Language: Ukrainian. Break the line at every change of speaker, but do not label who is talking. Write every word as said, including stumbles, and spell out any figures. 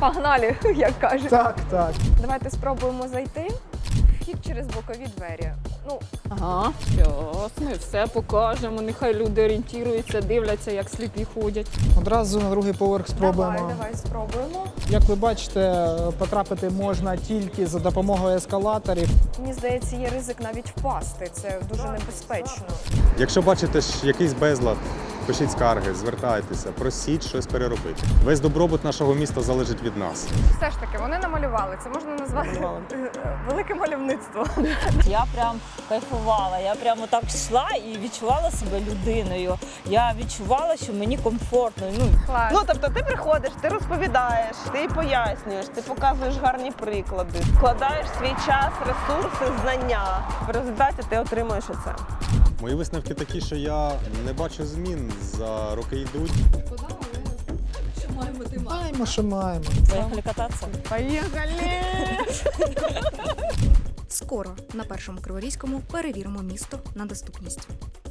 Погнали, як кажуть.
Так, так.
Давайте спробуємо зайти. Вхід через бокові двері. Ну,
Ага, щас ми все покажемо. Нехай люди орієнтуються, дивляться, як сліпі ходять.
Одразу на другий поверх спробуємо.
давай, давай спробуємо.
Як ви бачите, потрапити можна тільки за допомогою ескалаторів.
Мені здається, є ризик навіть впасти. Це дуже небезпечно.
Якщо бачите ж якийсь безлад, пишіть скарги, звертайтеся, просіть щось переробити. Весь добробут нашого міста залежить від нас.
Все ж таки, вони намалювали. Це можна назвати велике мальовництво.
Я прям кайфувала, я прямо так йшла і відчувала себе людиною. Я відчувала, що мені комфортно. Ну,
Клас.
Ну, тобто ти приходиш, ти розповідаєш, ти пояснюєш, ти показуєш гарні приклади, вкладаєш свій час, ресурси, знання. В результаті ти отримуєш оце.
Мої висновки такі, що я не бачу змін, за роки йдуть.
Маємо, що маємо.
Поїхали кататися.
Скоро на першому Криворізькому перевіримо місто на доступність.